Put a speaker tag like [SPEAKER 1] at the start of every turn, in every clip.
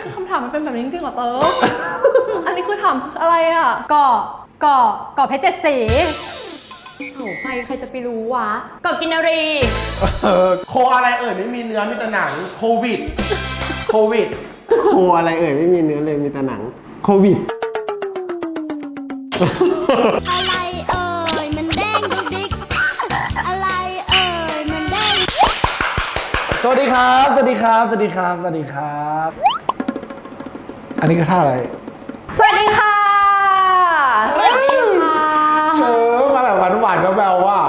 [SPEAKER 1] คือคำถามมันเป็นแบบนี้จริงๆเหรอเต๋อ อันนี้คือถามอะไรอ่ะ
[SPEAKER 2] เกาะเพชรเจ็ดสี
[SPEAKER 1] โอ้ใครจะไปรู้วะ
[SPEAKER 2] เกาะกินรี
[SPEAKER 3] โคอะไรไม่มีเนื้อมีแต่หนังโควิดโควิด
[SPEAKER 4] โคอะไรไม่มีเนื้อเลยมีแต่หนังโควิด
[SPEAKER 5] อะไรมันเด้งดุกดิกอะไรมันเด้ง
[SPEAKER 3] สวัสดีครับสวัสดีครับสวัสดีครับสวัสดีครับ อันนี้คือท่าอะไร
[SPEAKER 1] สวัสดีค่ะสวัสดีค่ะ
[SPEAKER 3] มาแบบหวานๆก็แววว่า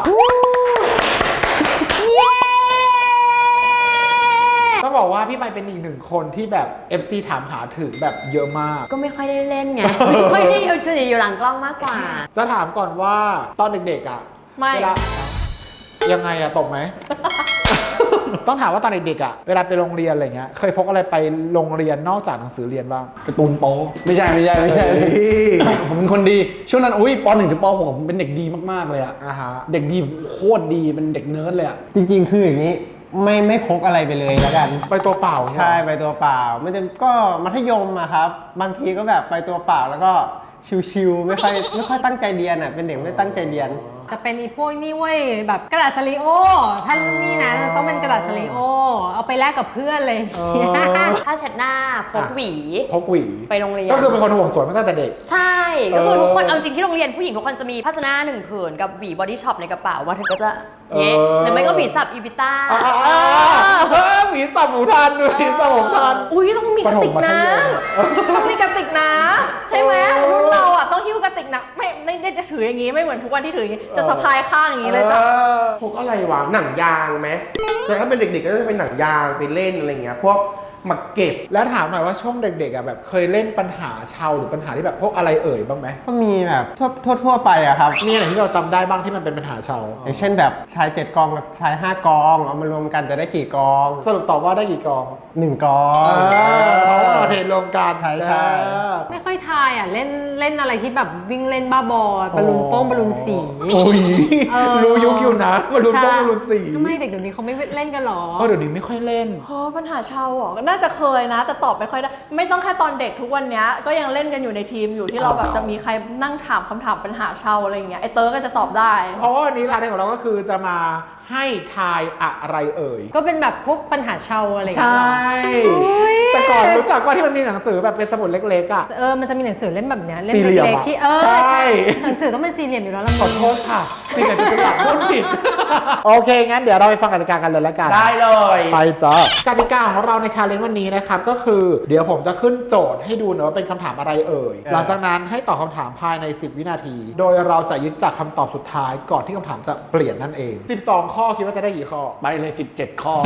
[SPEAKER 3] ต้องบอกว่าพี่ไปเป็นอีกหนึ่งคนที่แบบ FC ถามหาถึงแบบเยอะมาก
[SPEAKER 2] ก็ไม่ค่อยได้เล่นไง ไม่ค่อยได้จะอยู่หลังกล้องมากกว่า
[SPEAKER 3] จะถามก่อนว่าตอนเด็กๆอ่ะ
[SPEAKER 1] ไม่
[SPEAKER 3] เวลายังไงอะตบไหม ต้องถามว่าตอนเด็กๆอ่ะเวลาไปโรงเรียนอะไรเงี้ยเคยพกอะไรไปโรงเรียนนอกจากหนังสือเรียนบ้าง
[SPEAKER 6] การ์ตูนโป๊ไม่ใช่ผมเป็นคนดีช่วงนั้นอุ้ยป .1 ถึงป .6 ผมเป็นเด็กดีมากๆเลยอะ
[SPEAKER 3] ฮะ
[SPEAKER 6] เด็กดีโคตรดีเป็นเด็กเนิร์ดเลยอะ
[SPEAKER 4] จริงๆคืออย่างนี้ไม่พกอะไรไปเลยแล้วกัน
[SPEAKER 3] ไปตัวเปล่า
[SPEAKER 4] ใช่ไปตัวเปล่ามันจะก็มัธยมอะครับบางทีก็แบบไปตัวเปล่าแล้วก็ชิวๆไม่ค่อยตั้งใจเรียนอะเป็นเด็กไม่ตั้งใจเรียน
[SPEAKER 2] จะเป็นอีพวกนี่เว้ยแบบกระดาษสลีโอถ้ารุ่นนี้นะต้องเป็นกระดาษสลีโอเอาไปแลกกับเพื่อนเลยถ้าเช็ดหน้าพกหวีไปโรงเรียน
[SPEAKER 3] ก็คือเป็นคนห่วงสวยมาตั้งแต่เด็ก
[SPEAKER 2] ใช่ก็คือทุกคนเอาจริงที่โรงเรียนผู้หญิงทุกคนจะมีภาชนะหนึ่งผืนกับหวีบอดี้ช็อปในกระเป๋ามาถึงก็จะเงี้ยหรือไม่ก็หวีสับอีบิต้า
[SPEAKER 3] หวีสับหมูทันหวีสับหมูทัน
[SPEAKER 1] อุ้ยต้องมีกระติกนะต้องมีกระติกนะใช่ไหมรุ่นเราอ่ะต้องหิ้วกระติกนะไม่ได้ถืออย่างงี้ไม่เหมือนทุกวันที่ถืออย่างงี้จะสะพายข้างอย่างงี้เลยจ้ะ
[SPEAKER 3] พวกอะไรวะหนังยางไหมแต่ถ้าเป็นเด็กๆก็จะเป็นหนังยางไปเล่นอะไรเงี้ยพวกหมักเก็บแล้วถามหน่อยว่าช่วงเด็กๆอ่ะแบบเคยเล่นปัญหาชาวหรือปัญหาที่แบบพวกอะไรบ้างไหม
[SPEAKER 4] ก็มีแบบทั่วไปอะครับ
[SPEAKER 3] มีอะไรที่เราจำได้บ้างที่มันเป็นปัญหาชาว
[SPEAKER 4] อย่างเช่นแบบชาย7กองกับชาย5กองเอามารวมกันจะได้กี่กอง
[SPEAKER 3] สรุปตอบว่าได้กี่กอง
[SPEAKER 4] 1กอง
[SPEAKER 3] เพราะว่าเราเทรวมกัน
[SPEAKER 4] ใช่
[SPEAKER 2] ไม่ค่อยทายอ่ะเล่นอะไรที่แบบวิ่งเล่นบ้าบอลบอลลูนโป้งบอลลูนสี
[SPEAKER 3] โอ้ยรู้ยุคอยู่นะบอลลูนโป้งบอลลูนสี
[SPEAKER 2] ทำไมเด็กเดี๋ยวนี้เขาไม่เล่นกันหรอ
[SPEAKER 3] เดี๋ยวนี้ไม่ค่อยเล่น
[SPEAKER 1] ปัญหาชาวอ่ะน่าจะเคยนะแต่ตอบไม่ค่อยได้ไม่ต้องแค่ตอนเด็กทุกวันนี้ก็ยังเล่นกันอยู่ในทีมอยู่ที่เราแบบจะมีใครนั่งถามคำถามปัญหาชาวอะไรอย่างเงี้ยไอเตอร์ก็จะตอบได้
[SPEAKER 3] เพราะว่าวันนี้ชาเลนจ์ของเราก็คือจะมาให้ทายอะไร
[SPEAKER 2] ก็เป็นแบบพวกปัญหาชาวอะไร
[SPEAKER 3] ใช่แต่ก่อนรู้จักว่าที่มันมีหนังสือแบบเป็นสมุดเล็กๆอ่ะ
[SPEAKER 2] มันจะมีหนังสือเล่มแบบนี้เล่ม
[SPEAKER 3] เล็
[SPEAKER 2] กๆที่
[SPEAKER 3] ใช่
[SPEAKER 2] หนังสือต้องเป็นสี่เหลี่ยมอยู่แล้วละ
[SPEAKER 3] ขอโทษค่ะสี่เหลี่ยมจะตัดต้นผิดโอเคงั้นเดี๋ยวเราไปฟังกติกากันเลยละกันได้เลยไปจ้ากติกาของเราในชาเลนจ์วันนี้นะครับก็คือเดี๋ยวผมจะขึ้นโจทย์ให้ดูนะว่าเป็นคำถามอะไรหลังจากนั้นให้ตอบคำถามภายใน10วินาทีโดยเราจะยึดจากคำตอบสุดท้ายก่อนที่คำถามจะเปลี่ยนนั่นเอง12ข้อคิดว่าจะได้กี่ข้อ
[SPEAKER 6] ไปเลย17ข้อ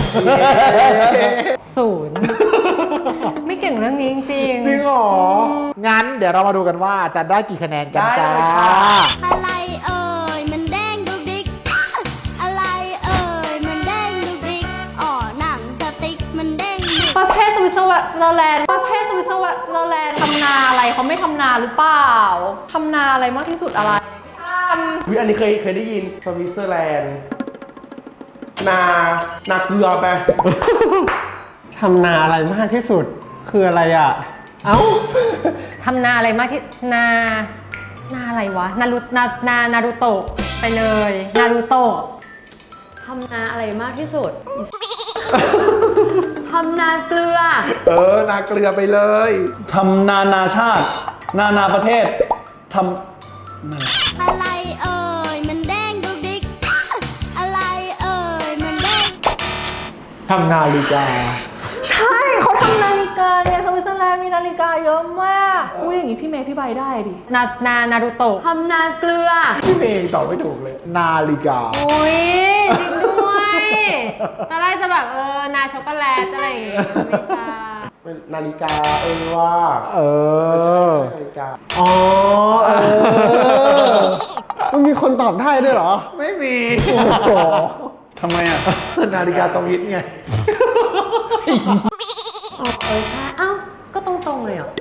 [SPEAKER 2] 0ไม่เก่งเรื่องนี้จริง
[SPEAKER 3] จริงหรองั้นเดี๋ยวเรามาดูกันว่าจะได้กี่คะแนนกันจ้า
[SPEAKER 5] อะไรมันเด้งดุกดิกอะไรมันเด้งดุกดิกหนังสติ๊กมันเด้ง
[SPEAKER 1] ประเทศสวิตเซอร์แลนด์ทำนาอะไรเขาไม่ทำนาหรือเปล่าทำนาอะไรมากที่สุดอะไร
[SPEAKER 3] อันนี้เคยได้ยินสวิตเซอร์แลนด์นาเกลือไป
[SPEAKER 4] ทำนาอะไรมากที่สุดคืออะไรอ่ะ
[SPEAKER 2] ทำนาอะไรมากที่นาอะไรวะนารูโตะไปเลยนารูโตะทำนาอะไรมากที่สุดทำนาเกลือ
[SPEAKER 3] นาเกลือไปเลย
[SPEAKER 6] ทำนาชาตินาประเทศทำ
[SPEAKER 5] อะไรมันเด้งดุกดิกอะไรมันเด้ง
[SPEAKER 3] ทำนาฬิกา
[SPEAKER 1] ใช่เขาทำนาฬิกาไงสวิตเซอร์แลนด์มีนาฬิกาเยอะมากอย่างนี้พี่เมย์พี่ใบได้ดิ
[SPEAKER 2] นารูโตะทำนาเกลือ
[SPEAKER 3] พี่เมย์ตอบไม่ถูกเลยนาฬิกา
[SPEAKER 2] อุ้ยจริงด้วยตอนแรกจะแบบนาช็อกโกแลตอะไรอย่างเงี้ยไม่ใช่
[SPEAKER 3] นาฬิกาว่าไม่ใช่นาฬิกา
[SPEAKER 4] มันมีคนตอบได้ด้วยเหรอ
[SPEAKER 3] ไม่มี
[SPEAKER 6] ทำไมอ่ะ
[SPEAKER 3] นาฬิกาสวิตไง
[SPEAKER 2] ใช่ก็ตรงเลยเหรอ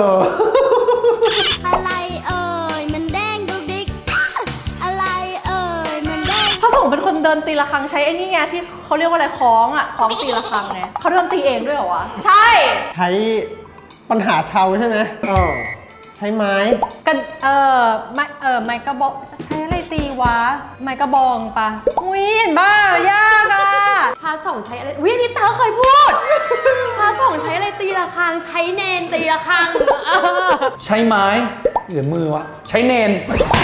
[SPEAKER 5] อะไรมันเด้งดุกดิกอะไรมันเด้ง
[SPEAKER 1] พระสงฆ์เป็นคนเดินตีระฆังใช้ไอ้นี่ไงที่เขาเรียกว่าอะไรคล้องตีระฆังไงเขาเดินตีเองด้วยเหรอวะใช่
[SPEAKER 4] ใช้ปัญหาชาวใช่ไหม ใช้ไม้
[SPEAKER 2] กันไม้กระบอกใช้อะไรตีวะ ไม้กระบองปะอุ้ยเห็นป่ะยากอ่ะ
[SPEAKER 7] พระสงฆ์ใช้อะไรวิอันนี้เต๋อเคยพูด พระสงฆ์ใช้อะไรตีระฆัง ใช้เนนตีระฆัง
[SPEAKER 6] ใช้ไม้หรือมือวะ ใช้เนน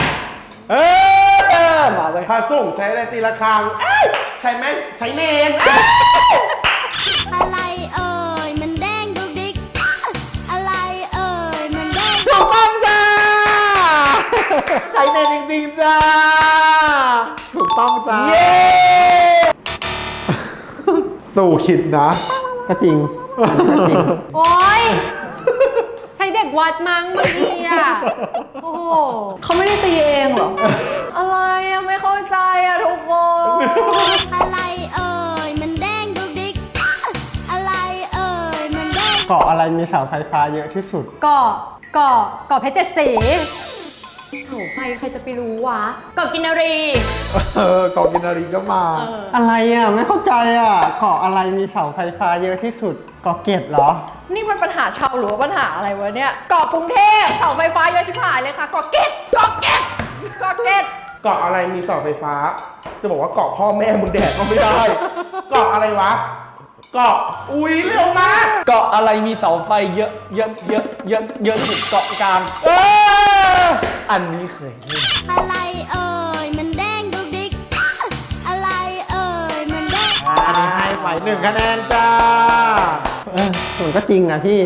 [SPEAKER 3] มาเลย
[SPEAKER 8] พระสงฆ์ใช้อะไรตีระฆังใช่ไหมใช้เนน
[SPEAKER 5] อะไรเอ่ยมันแดงดุกดิกอะไรเอ่ยมันแดง
[SPEAKER 3] ถูกต้องจ้า ใช้เนนจริงๆจ้า ถูกต้องจ้า เย้ สู่ขิดนะ
[SPEAKER 4] ก็จริงก็จริง
[SPEAKER 2] โอ๊ย ใช้เด็กวัดมั้งบางทีอ่ะ โอ้โห
[SPEAKER 1] เขาไม่ได้ตีเองเหรอ อะไรอะไม่เข้าใจอะทุกคน
[SPEAKER 5] อะไรเอ่ยมันแดงดุกดิกอะไรเอ่ยมันแดง
[SPEAKER 4] เกาะอะไรมีเสาไฟฟ้าเยอะที่สุด
[SPEAKER 2] เกาะเพชรเจ็ดสี
[SPEAKER 7] โอ้ใครจะไปรู้วะเกาะกินนารี
[SPEAKER 3] กองกินนารีก็มา
[SPEAKER 4] อะไรอ่ะ ไม่เข้าใจอ่ะ เกาะอะไรมีเสาไฟฟ้าเยอะที่สุด เกาะเกร็ดเหรอ
[SPEAKER 1] นี่มันปัญหาชาวหรือว่าปัญหาอะไรวะเนี่ยเกาะกรุงเทพเสาไฟฟ้าเยอะชิบหายเลยค่ะเกาะเกร็ดเกาะเกร็ดเกาะเกร็ด
[SPEAKER 8] เกาะอะไรมีเสาไฟฟ้า จะบอกว่าเกาะพ่อแม่มึงแดดก็ไม่ได้ เกาะอะไรวะ เกาะอุ๊ยเร็วมาก
[SPEAKER 6] เกาะอะไรมีเสาไฟเยอะสุดเกาะกลางอันนี้เคยเล่น
[SPEAKER 5] อะไรเอ่ยมันแดงดุกดิกอะไรเอ่ยมันแดง
[SPEAKER 3] อันนี้ให้ไป1 คะแนนจ้า
[SPEAKER 4] ส่วนก็จริงนะพี่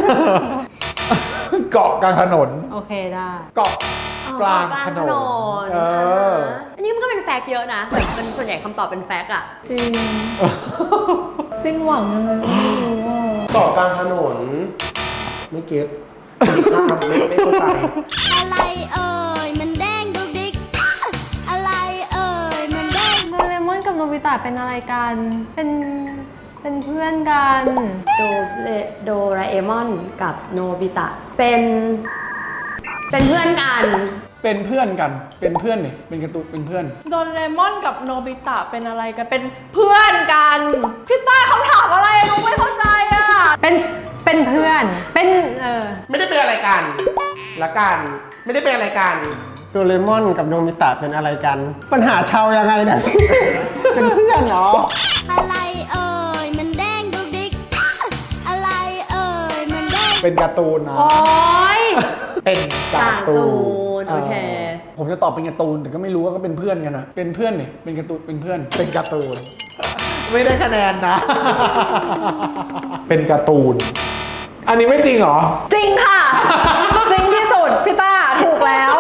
[SPEAKER 3] เกาะกลางถนน
[SPEAKER 2] โอเคได้
[SPEAKER 3] เกาะกลางถนน
[SPEAKER 7] อันนี้มันก็เป็นแฟกต์เยอะนะเหมือนเป็นส่วนใหญ่คำตอบเป็นแฟกต์อะ
[SPEAKER 1] จริง สิ้นหวังยังไงไม่รู้อ่ะ
[SPEAKER 8] เกาะกลางถนน ไม่เก็ตไม่เข้าใจ
[SPEAKER 5] อะไรเอ่ยมันแดงดุกดิกอะไรเอ่ยมันแดง
[SPEAKER 2] โดเรมอนกับโนบิตะเป็นอะไรกัน เป็นเพื่อนกัน
[SPEAKER 7] โดราเอมอนกับโนบิตะเป็นเพื่อนกัน
[SPEAKER 6] เป็นเพื่อนกัน เป็นเพื่อนเนี่ยเป็นการ์ตูนเป็นเพื่อน
[SPEAKER 1] โดเรมอนกับโนบิตะเป็นอะไรกัน เป็นเพื่อนกัน พี่ต้าเขาถามอะไรหนูไม่เข้าใจอ่ะ
[SPEAKER 2] เป็นเพื่อน
[SPEAKER 8] ไม่ได้เป็นอะไรกันละกัน ไม่ได้เป็นอะไรกัน
[SPEAKER 4] โดเรมอนกับโนมิตะเป็นอะไรกัน ปัญหาชาวยังไงเนี่ย เป็นเพื่อนเหรอ
[SPEAKER 5] อะไรเอ่ยมันแดงดุกดิกอะไรเอ่ยมันแดง
[SPEAKER 3] เป็นการ์ตูนนะ
[SPEAKER 2] โอ๊ย
[SPEAKER 3] เป็นการ์ตูน
[SPEAKER 7] โอเค
[SPEAKER 6] ผมจะตอบเป็นการ์ตูนแต่ก็ไม่รู้ว่าก็เป็นเพื่อนกันนะเป็นเพื่อนเนี่ยเป็นการ์ตูนเป็นเพื่อน
[SPEAKER 3] เป็นการ์ตูน ไม่ได้คะแนนนะ เป็นการ์ตูน อันนี้ไม่จริงเหรอ
[SPEAKER 1] จริงค่ะ จริงที่สุด พี่ต้าถูกแล้ว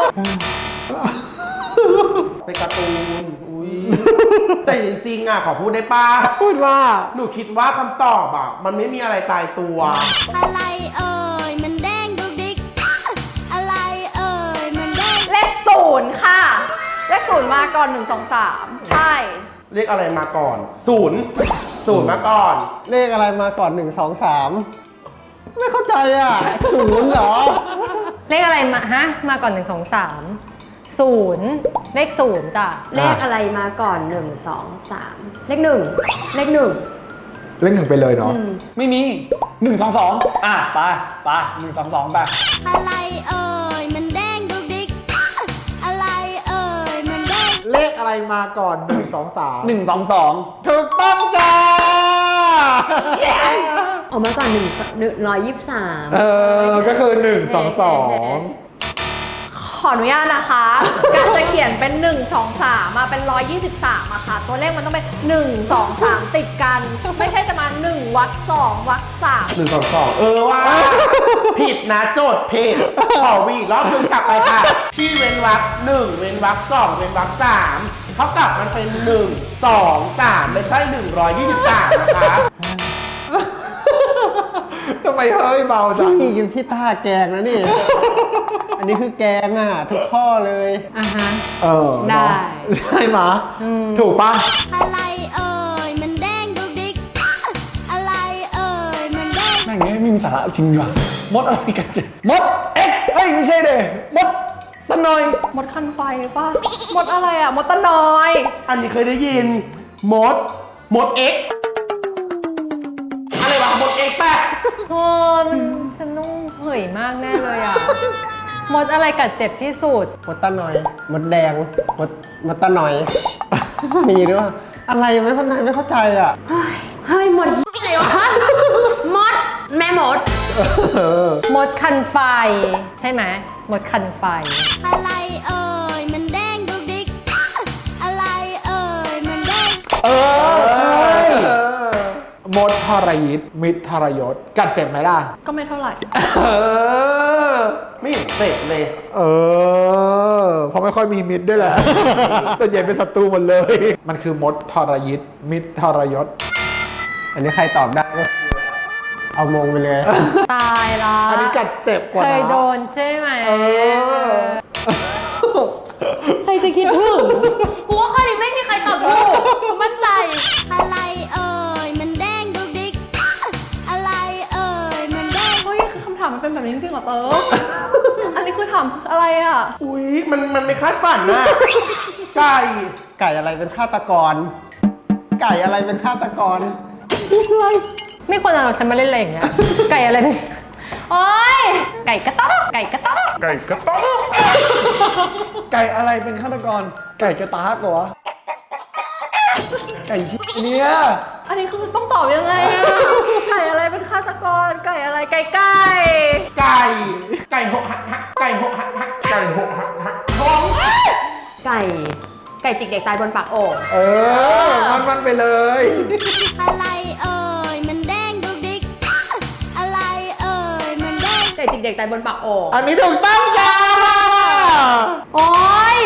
[SPEAKER 8] เป็นการ์ตูน อุ้ย แต่จริงๆอ่ะขอพูดได้ป่ะ
[SPEAKER 3] พูดว่า
[SPEAKER 8] หนูคิดว่าคำตอบอ่ะ มันไม่มีอะไรตายตัว
[SPEAKER 5] อะไรเอ่ยมันแดงดุกดิกอะไรเอ่ยมันแดง
[SPEAKER 1] เลข0ค่ะ เลข0มาก่อน1 2 3 ใช่
[SPEAKER 8] เรียกอะไรมาก่อน ศูนย์มาก่อน
[SPEAKER 4] เลขอะไรมาก่อน 1 2 3 ไม่เข้าใจอ่ะ ศูนย์เหรอ
[SPEAKER 2] เลขอะไรมาก่อน 1 2 3 0 เลข 0 จ้ะ
[SPEAKER 7] เลขอะไรมาก่อน 1 2 3 เลข 1 เลข 1
[SPEAKER 3] เล่นหนึ่งไปเลยเนาะ
[SPEAKER 6] ไม่มี1 2 2ไป1 2 2ไป
[SPEAKER 5] อะไรเอ่ยมันแดงดุกดิกอะไรเอ่ยมันแดง
[SPEAKER 3] เลขอะไรมาก่อน 1 2 3
[SPEAKER 6] 1 2 2
[SPEAKER 3] ถูกต้องจ้า
[SPEAKER 7] ออกมาก่อน123
[SPEAKER 3] ก็คือ 1 2 2
[SPEAKER 1] ขออนุญาตนะคะ การจะเขียนเป็น 1 2 3มาเป็น123อะค่ะ ตัวเลขมันต้องเป็น 1 2 3 ติดกัน ไม่ใช่จะมา1วรรค2วรรค3
[SPEAKER 8] 1 2 2 ว่า ผิดนะโจทย์ผิดขอวีรอบนึงกลับไปค่ะ พี่เว้นวรรค1เว้นวรรค2เว้นวรรค3เขากลับมันเป็น 1 2 3ไม่ใช่123นะคะ
[SPEAKER 3] ทำไมเฮ้ยเบาจัง
[SPEAKER 4] พี่กินพี่ต้าแกงนะนี่ อันนี้คือแกงอ่ะ ทุกข้อเลย
[SPEAKER 2] อ่ะฮะ
[SPEAKER 3] เนอะ
[SPEAKER 2] ได้
[SPEAKER 3] ใช่ไหมะถูกปะ
[SPEAKER 5] อะไรเอ่ยมันแดงดุกดิกอะไรเอ่ยมันแดง
[SPEAKER 6] แม่งเนี่ยไม่มีสาระจริงว่ะมดอะไรกันเจ๊มดเอ็กเอ้ยไม่ใช่เด้มดตะนอย
[SPEAKER 1] หมดคันไฟป่ะหมดอะไรอะหมดตะนอย
[SPEAKER 8] อันนี้เคยได้ยินมดเอ็กอะไรวะมดเอ็กแปะ
[SPEAKER 2] โอ้มันสนุกยมากแน่เลยอ่ะ มดอะไรกัดเจ็บที่สุด
[SPEAKER 4] มดตาหน่อยมดแดงมดตาหน่อย มีหรือเปล่าอะไรไม่เข้าใจอ่ะ
[SPEAKER 7] เฮ้ยหมดไหนวะมด แม่มด
[SPEAKER 2] มดคันไฟ ใช่ไหมมดคันไฟ
[SPEAKER 5] อะไรเอ่ยมันแดงดุกดิกอะไรเอ่ยมันแดง
[SPEAKER 6] ใช่
[SPEAKER 3] มดทรยิตมิตรทรยศกัดเจ็บไหมล่ะ
[SPEAKER 1] ก็ไม่เท่าไหร่
[SPEAKER 8] ไม่เห็นเสร็จเลย
[SPEAKER 3] เพราะไม่ค่อยมีมิตรด้วยแหละ ส่วนใหญ่เป็นศัตรูหมดเลย มันคือมดทรยิตมิตรทรยศ
[SPEAKER 4] อันนี้ใครตอบได้ก็เอามงไปเลย
[SPEAKER 2] ตายละ
[SPEAKER 3] อันนี้กัดเจ็บกว่า
[SPEAKER 2] เคย
[SPEAKER 3] นะ
[SPEAKER 2] โดนใช่ไหม
[SPEAKER 7] ใครจะคิดถึง กูว่าข้อนี้ไม่มีใครตอบถูกกูมั่นใจ
[SPEAKER 5] อะไรเอ่ยมันแดงดุกดิกอะไรเอ่ยมันแดง
[SPEAKER 1] เฮ้ยคือคำถามมันเป็นแบบนี้จริงๆเหรอเต๋อ อันนี้คือถามอะไรอ่ะ
[SPEAKER 8] อุ๊ย มันไม่คาดฝันนะ ไก่
[SPEAKER 4] ไก่อะไรเป็นฆาตกร ไก่อะไรเป็นฆาตกร
[SPEAKER 2] ไม่ควรเอาฉันมาเล่นอะไรอย่างเงี้ย ไก่อะไรเป็นโอ๊ยไก่กระต๊อกไก่กระต๊อก
[SPEAKER 6] ไก่อะไรเป็นฆาตกร ไก่กระตากเหรอวะ ไก่ที่เนี่ย
[SPEAKER 1] อันนี้คือต้องตอบยังไงอ่ะ ไก่อะไรเป็นฆาตกร ไก่อะไร ไก่
[SPEAKER 8] ไก่หกหักไก่หกหักไก่หกหักท้อง
[SPEAKER 7] ไก่จิกเด็กตายบนปากโอ่ง
[SPEAKER 3] มันไปเลย
[SPEAKER 5] อะไรเอ่ยมันแดงดุกดิกอะไรเอ่ยมันแดง
[SPEAKER 7] ไก่จิกเด็กตายบนปากโอ่ง
[SPEAKER 3] อันนี้ถูกต้องจ้า
[SPEAKER 2] โอ๊ย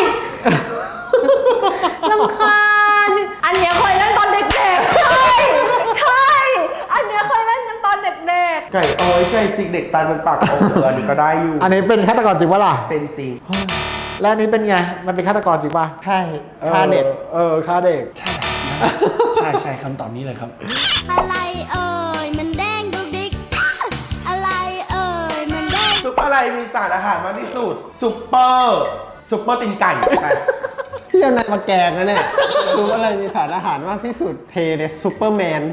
[SPEAKER 2] ลำคาญ
[SPEAKER 1] อันเนี้ยเคยเล่นตอนเด็กๆ ใช่ ใช่ อันเนี้ยเคยเล่นกันตอนเด็ก
[SPEAKER 8] ไก่ไก่จิกเด็กตายบนปากโอ่งอันนี้ก็ได้อยู่
[SPEAKER 3] อันนี้เป็นฆาตกรจริงปะล่ะ
[SPEAKER 8] เป็นจริง
[SPEAKER 3] และอันนี้เป็นไง มันเป็นฆาตกรจริงปะ
[SPEAKER 4] ใช่ฆ่าเด็ก
[SPEAKER 3] ฆ่าเด็ก
[SPEAKER 6] ใช่คำตอบนี้เลยครับ
[SPEAKER 5] อะไรเอ่ยมันแดงดุกดิกอะไรเอ่ยมันแดง
[SPEAKER 8] ซุปอะไรมีสารอาหารมากที่สุด ซุปเปอร์ตีนไก่
[SPEAKER 4] พี่เอานายมาแกงนะเนี่ยรู้อะไรมีสารอาหารมากที่สุด เทเลยซูเปอร์แมน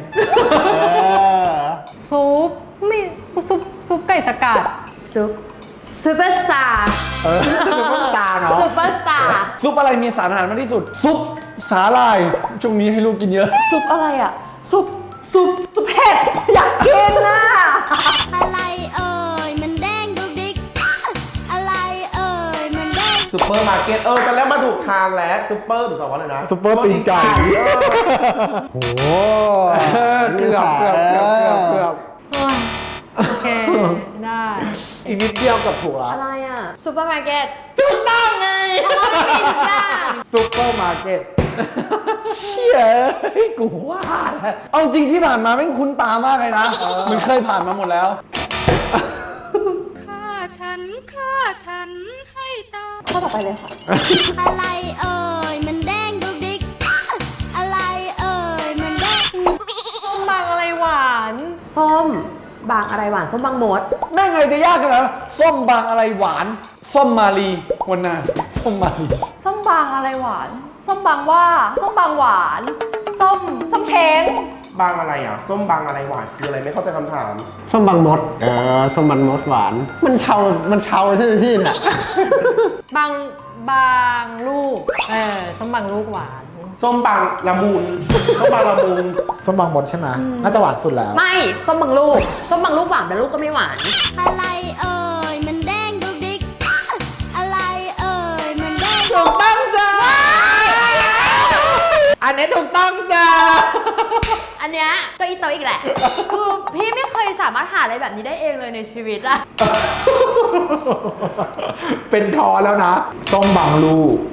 [SPEAKER 2] ซุปไม่ซุปไก่สกัด
[SPEAKER 7] ซูเปอร์สตาร์
[SPEAKER 3] ซุปเปอร์สตาร์เนาะ
[SPEAKER 7] ซูเปอร์สตาร์
[SPEAKER 6] ซุปอะไรมีสารอาหารมากที่สุด ซุปสาหร่าย ช่วงนี้ให้ลูกกินเยอะ
[SPEAKER 1] ๆ ซุปอะไรอ่ะ ซุปเผ็ด อยากกินน่ะ
[SPEAKER 5] อะไรเอ่ยมันแดงดุกดิกอะไรเอ่ยมันแดง
[SPEAKER 8] ซุปเปอร์มาร์เก็ตตอนแรกมาถูกทางแล้วซุปเปอร์หรือว่าอะไรนะ
[SPEAKER 3] ซุปเปอร์ตีนไก่ โหเกือบ
[SPEAKER 2] โอ๊ยโอเค ได้
[SPEAKER 3] อีกนิดเดียวกับถูกละ
[SPEAKER 7] อะไรอ่ะซูเปอร์มาร์เก็ต
[SPEAKER 1] ถูกต้องไง
[SPEAKER 7] เพราะว่ามันมีทุกอย่าง
[SPEAKER 3] ซุปเปอร์มาร์เก็ต
[SPEAKER 6] เชี่ยกูว่าแล้วเอาจริงที่ผ่านมาไม่งคุ้นตามากเลยนะเหมันเคยผ่านมาหมดแล้ว
[SPEAKER 9] ฆ่าฉันให้ตาย
[SPEAKER 1] ข้อต่อไปเลยค่ะ
[SPEAKER 5] อะไรเอ่ยมันแดงดุกดิกอะไรเอ่ยมันแดง
[SPEAKER 2] ส้มบางอะไรหวาน
[SPEAKER 7] ส้มบางอะไรหวานส้มบางมด
[SPEAKER 6] แม่งไงจะยากกันเหรอส้มบางอะไรหวาน ส้มมาลีวันนาส้มมาลี
[SPEAKER 1] ส้มบางอะไรหวาน ส้มบางว่า ส้มบางหวาน ส้มเช้ง
[SPEAKER 8] บางอะไรอ่ะ ส้มบางอะไรหวานคืออะไรไม่เข้าใจคำถาม
[SPEAKER 4] ส้มบางมด ส้มบางมดหวาน มันเชาใช่ไหมพี่เนี่ย
[SPEAKER 2] บางลูก ส้มบางลูกหวาน
[SPEAKER 8] ส้มบางละมุนส้มบางละมุน
[SPEAKER 3] ส้มบางมดใช่ไหมน่าจะหวานสุดแล้ว
[SPEAKER 7] ไม่ส้มบางลูกส้มบางลูกหวานแต่ลูกก็ไม่หวาน
[SPEAKER 5] อะไรเอ่ยมันแดงดุกดิกอะไรเอ่ยมันแดง
[SPEAKER 3] ถูกต้องจ้า อันนี้ถูกต้องจ้า
[SPEAKER 7] อันเนี้ยก็อีเตออีกแหละ คือพี่ไม่เคยสามารถหาอะไรแบบนี้ได้เองเลยในชีวิตอะ
[SPEAKER 3] เป็นทอแล้วนะ ส้มบางลูก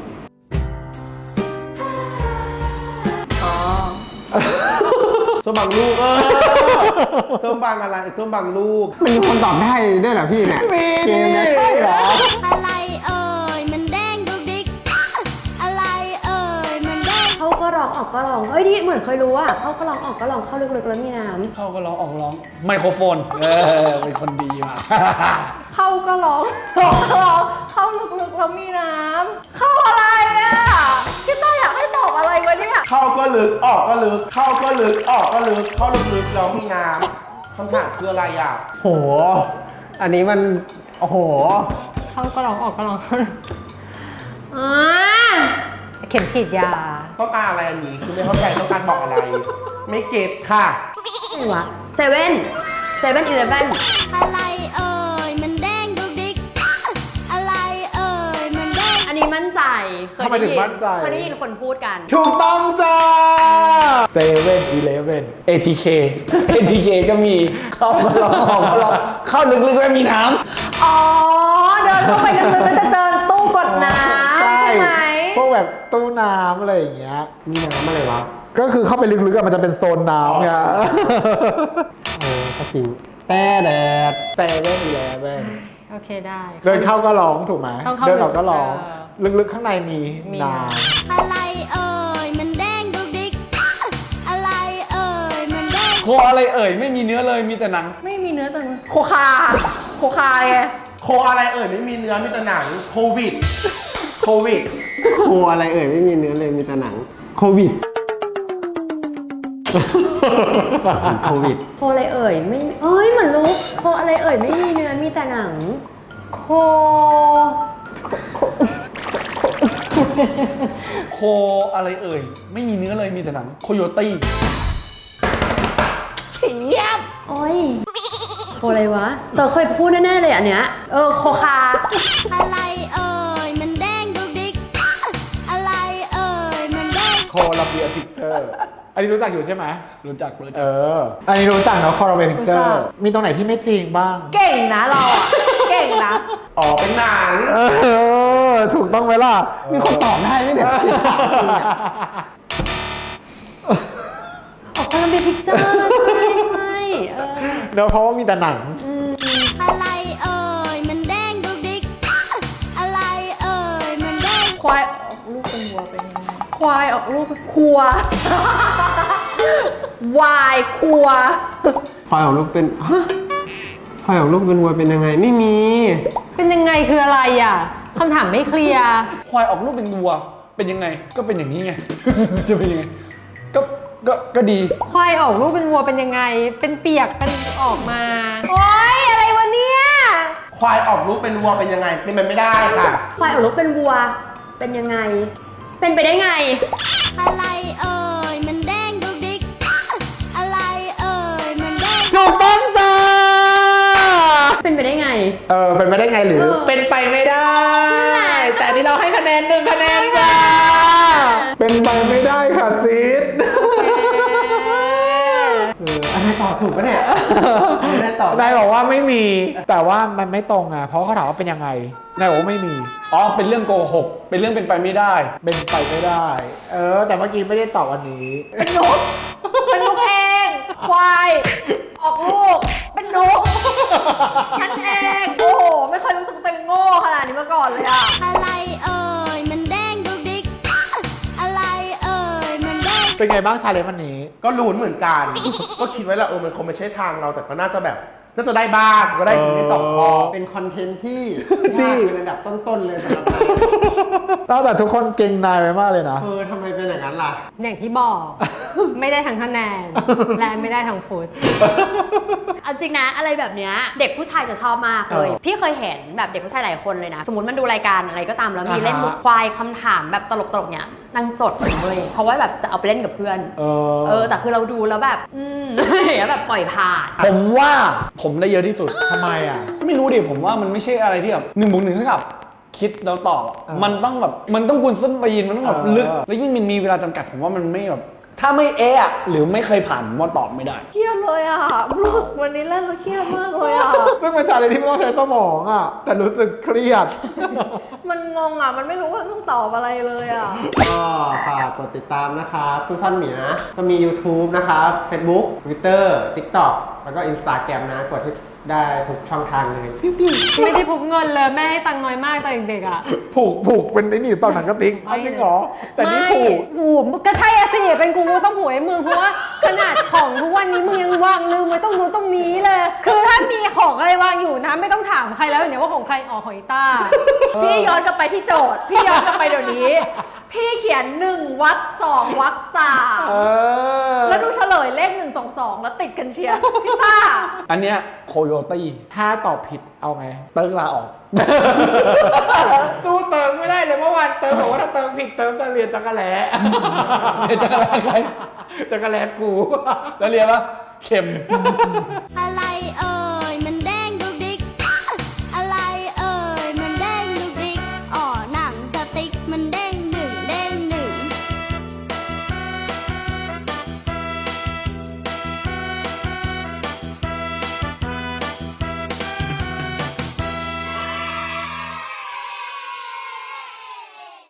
[SPEAKER 8] ส้มบางลูกส้มบางอะไรส้มบางลูก
[SPEAKER 4] มันมีคนตอบได้ด้วยเหรอพี่เนี่ย เกมเนี่ยใช่เหรอ
[SPEAKER 5] อะไรเอ่ยมันแดงดุกดิกอะไรเอ่ยมันแดง
[SPEAKER 7] เข้าก็ร้องออกก็ร้องเอ้ยนี่เหมือนเคยรู้อะเข้าก็ร้องออกก็ร้องเข้าลึกๆแล้วมีน้ำ
[SPEAKER 6] เข้าก็ร้องออกร้อง ไมโครโฟน เป็นคนดีมา
[SPEAKER 1] เข้าก็ร้อง ร้องก็ร้อง เข้าลึกๆแล้วมีน้ำ เข้าอะไรอ่ะพี่ต้าอยากให้ตอบอะไรวะเนี่ย
[SPEAKER 8] เข้าก็ลึกออกก็ลึก เข้าก็ลึกออกก็ลึก เข้าลึกๆแล้วมีน้ำคำถามคืออะไรอ่ะ
[SPEAKER 4] โหอันนี้มัน โอ้โห
[SPEAKER 2] เข้าก็ลองออกก็ลองเข็มฉีดยา
[SPEAKER 8] ต้องการอะไรอันนี้คุณไม่เข้าใจต้องการบอกอะไร ไม่เก็ตค่ะ
[SPEAKER 7] อะไรวะเซเว่นอีเลฟเว่น
[SPEAKER 5] อะไรเอ่ยมันแดงดุกดิกอะไรเอ่ยมันแดง
[SPEAKER 7] อันนี้มั่นใจ
[SPEAKER 3] ทำไมถึงมั่นใจ
[SPEAKER 7] เคยได้ยินคนพูดกัน
[SPEAKER 3] ถูกต้องจ้า7-Eleven
[SPEAKER 6] ATK ก็มีเข้ามาลองของมาลองเข้าลึกๆแล้วมีน้
[SPEAKER 1] อ๋อ เดินเข้าไปลึกๆแล้วจะเจอตู้กดน้ำใช่ไหม
[SPEAKER 3] พวกแบบตู้น้ำอะไรอย่างเงี้ย
[SPEAKER 4] มีน้ำอะไรวะ
[SPEAKER 3] ก็คือเข้าไปลึกๆอะมันจะเป็นโซนน้ำไง
[SPEAKER 4] ก็จริงแต่แดด
[SPEAKER 3] 7-Eleven
[SPEAKER 2] โอเคได้
[SPEAKER 3] เดินเข้าก็ร้องถูกไหม
[SPEAKER 2] ต้องเข้า
[SPEAKER 3] เดินออกก็ร้อง
[SPEAKER 2] เอ
[SPEAKER 3] ลึกๆข้างในมี
[SPEAKER 2] มี
[SPEAKER 3] น้
[SPEAKER 5] อะไรเอ่ยมันแดงดุกดิกอะไรเอ่ยมันแดง
[SPEAKER 6] ำโคอะไรเอ่ยไม่มีเนื้อเลยมีแต่หนัง
[SPEAKER 1] ไม่มีเนื้อแต่โคคาไง
[SPEAKER 8] โคอะไรเอ่ยไม่มีเนื้อมีแต่หนังโควิด
[SPEAKER 4] โคอะไรเอ่ยไม่มีเนื้อเลยมีแต่หนัง โควิด โควิด
[SPEAKER 7] โคอะไรเอ่ยไม่เอ้ยเหมือนรู้โคอะไรเอ่ยไม่มีเนื้อมีแต่หนัง โค
[SPEAKER 6] โคอะไรเอ่ยไม่มีเนื้อเลยมีแต่หนังโคโยตี้
[SPEAKER 7] โอ้ยโคอะไรวะแต่เคยพูดแน่ๆเลยอันเนี้ยโคคา
[SPEAKER 5] อะไรเอ่ยมันแดงดุกดิกอะไรเอ่ยมันแดง
[SPEAKER 3] ำโคลอมเบียพิกเจอร์ อันนี้รู้จักอยู่ใช่ไหม
[SPEAKER 6] รู้จัก
[SPEAKER 3] อันนี้รู้จักเนาะโคลอมเบียพิกเจอร์ มีตรงไหนที่ไม่จริงบ้าง
[SPEAKER 1] เก่งนะเราอะเก่งนะ
[SPEAKER 8] อ๋อเป็นหนัง
[SPEAKER 3] ถูกต้องไหมล่ะ
[SPEAKER 4] มีคนตอบได้ไหมเนี่ย
[SPEAKER 7] ออกคอลัมเบียพิกเจอร์ใช่เออ
[SPEAKER 3] เนอะเพราะว่ามีแต่หนัง
[SPEAKER 5] อะไรเอ่ยมันแดงดุกดิกอะไรเอ่ยมันแดง
[SPEAKER 1] ควายออกลูกเป็นวัวเป็นยังไง ควายออกลูกเป็นครัว วายครัว
[SPEAKER 4] ควายของลูกเป็น ฮะ ควายของลูกเป็นวัวเป็นยังไง ไม่มี
[SPEAKER 2] เป็นยังไงคืออะไรอ่ะคำถามไม่เคลียร์
[SPEAKER 6] ควายออกลูกเป็นวัวเป็นยังไงก็เป็นอย่างนี้ไง จะเป็นยังไงก็ดี
[SPEAKER 2] ควายออกลูกเป็นวัวเป็นยังไง เป็นเปียกเป็นออกมา โอ๊ยอะไรวะเนี่ย
[SPEAKER 8] ควายออกลูกเป็นวัวเป็นยังไงเป็นไปไม่ได้ค่ะ
[SPEAKER 7] ควายออกลูกเป็นวัว เป็นยังไง เป็นไปได้ไง
[SPEAKER 5] อะไรเอ่ยมันแดงดุกดิกอะไรเอ่ยมันแดง
[SPEAKER 3] ถูกต้องจ้า
[SPEAKER 7] เป็นไปได้ไง
[SPEAKER 3] เป็นไปได้ไงหรือเป็นไปไม่ได้ แต่อันนี้เราให้คะแนน1 คะแนนจ้า เป็นไปไม่ได้ค่ะซีด
[SPEAKER 4] อันนี้ตอบถูกปะเนี่ยไม่ได้ตอบ
[SPEAKER 3] นายบอกว่าไม่มี แต่ว่ามันไม่ตรงอ่ะ เพราะเขาถามว่าเป็นยังไง นายบอกว่าไม่มี
[SPEAKER 6] อ๋อเป็นเรื่องโกหกเป็นเรื่องเป็นไปไม่ได้
[SPEAKER 3] เป็นไปไม่ได้ แต่เมื่อกี้ไม่ได้ตอบอันนี้
[SPEAKER 1] เป็นนกเองควายออกลูกเป็นนกฉันเองโอ้โหไม่เคยรู้สึกตัวเองโง่ขนาดนี้มาก่อนเลยอะ
[SPEAKER 5] อะไรเอ่ยมันแดงดุกดิกอะไรเอ่ยมันแดง
[SPEAKER 3] เป็นไงบ้างชาเลนจ์วันนี้
[SPEAKER 8] ก็ลุ้นเหมือนกัน ก็คิดไว้แล้วมันคงไม่ใช่ทางเราแต่ก็น่าจะแบบน่าจะได้บ้างก็ได้ถึงใน2 ข้อ
[SPEAKER 4] เป็นคอนเทนต์ที่
[SPEAKER 3] ดี
[SPEAKER 4] ยากเป็นอันดับต้นๆเลยสำหรับเรา
[SPEAKER 3] แต่ทุกคนเก่งนายไปมากเลยนะ
[SPEAKER 4] ทำไมเป็นอย่างนั้นล่ะ
[SPEAKER 2] อย่างที่บอก ไม่ได้ทั้งคะแนน และไม่ได้ทั้งฟุต
[SPEAKER 7] เอาจริงนะอะไรแบบเนี้ยเด็กผู้ชายจะชอบมากเลย พี่เคยเห็นแบบเด็กผู้ชายหลายคนเลยนะ สมมติมันดูรายการอะไรก็ตามแล้วมีเล่นมุกควายคำถามแบบตลกๆเนี่ยนางจดเลยเพราะว่าแบบจะเอาไปเล่นกับเพื่อนแต่คือเราดูแล้วแบบแล้วแบบปล่อยผ่าน
[SPEAKER 6] ผมว่าผมได้เยอะที่สุด
[SPEAKER 3] ทำไมอ่ะ
[SPEAKER 6] ไม่รู้ดิผมว่ามันไม่ใช่อะไรที่แบบ1+1เท่ากับคิดแล้วตอบอะมันต้องแบบมันต้องกุนส้นปีนมันต้องแบบลึก แล้วยิ่งมันมีเวลาจำกัดผมว่ามันไม่แบบถ้าไม่อะหรือไม่เคยผ่านผมว่าตอบไม่ได้
[SPEAKER 1] เครียดเลยอะรู้สึกวันนี้เล่นแล้วเครียดมากเลยอะ
[SPEAKER 3] ซึ่งเป็นชาเลนจ์ที่ไม่ต้องใช้สมองอ่ะ แต่รู้สึกเครียด
[SPEAKER 1] มันงงอะมันไม่รู้ว่าต้องตอบอะไรเลยอะ
[SPEAKER 4] ก็ฝากกดติดตามนะครับตู้ซ่อนหมีนะ ก็มี YouTube นะครับ Facebook Twitter TikTok แล้วก็ Instagram นะ กดให้ได้ทุกช่องทางเลย
[SPEAKER 2] ไม่ได้พกเงินเลย แม่ให้ตังค์น้อยมากตอนเด็กๆอ่ะ
[SPEAKER 3] ผูกเป็นไอ้นี่หรือเปล่าหนังกระติกอ้าวจริงเหรอ แต่นี่ผูก
[SPEAKER 2] ผูกก็ใช่อะสิเป็นกูต้องผูกให้มึงเพราะว่าขนาดของทุกวันนี้มึงยังวางลืมไว้ตรงนู้นตรงนี้เลย คือถ้ามีของอะไรวางอยู่นะไม่ต้องถามใครแล้วเดี๋ยวว่าของใครของอีต้า
[SPEAKER 1] พี่ย้อนกลับไปที่โจทย์ พี่ย้อนกลับไปเดี๋ยวนี้พี่เขียน1วรรค2วรรค3แล้วดูเฉลยเลข1 2 2แล้วติดกันเชียร์พี่ต้า
[SPEAKER 6] อันเนี้ยโคโยตี้
[SPEAKER 3] ถ้าตอบผิดเอาไง
[SPEAKER 6] เติร์กลาออก
[SPEAKER 3] สู้เติมไม่ได้เลยเมื่อวานเติมบอกว่าถ้าเติมผิดเติมจะเรียนจักรแล้
[SPEAKER 6] เรียนจักรแล้ใคร
[SPEAKER 3] จักรแล้กู
[SPEAKER 6] แล้วเรียนปะเข็ม
[SPEAKER 5] อะไรเอ่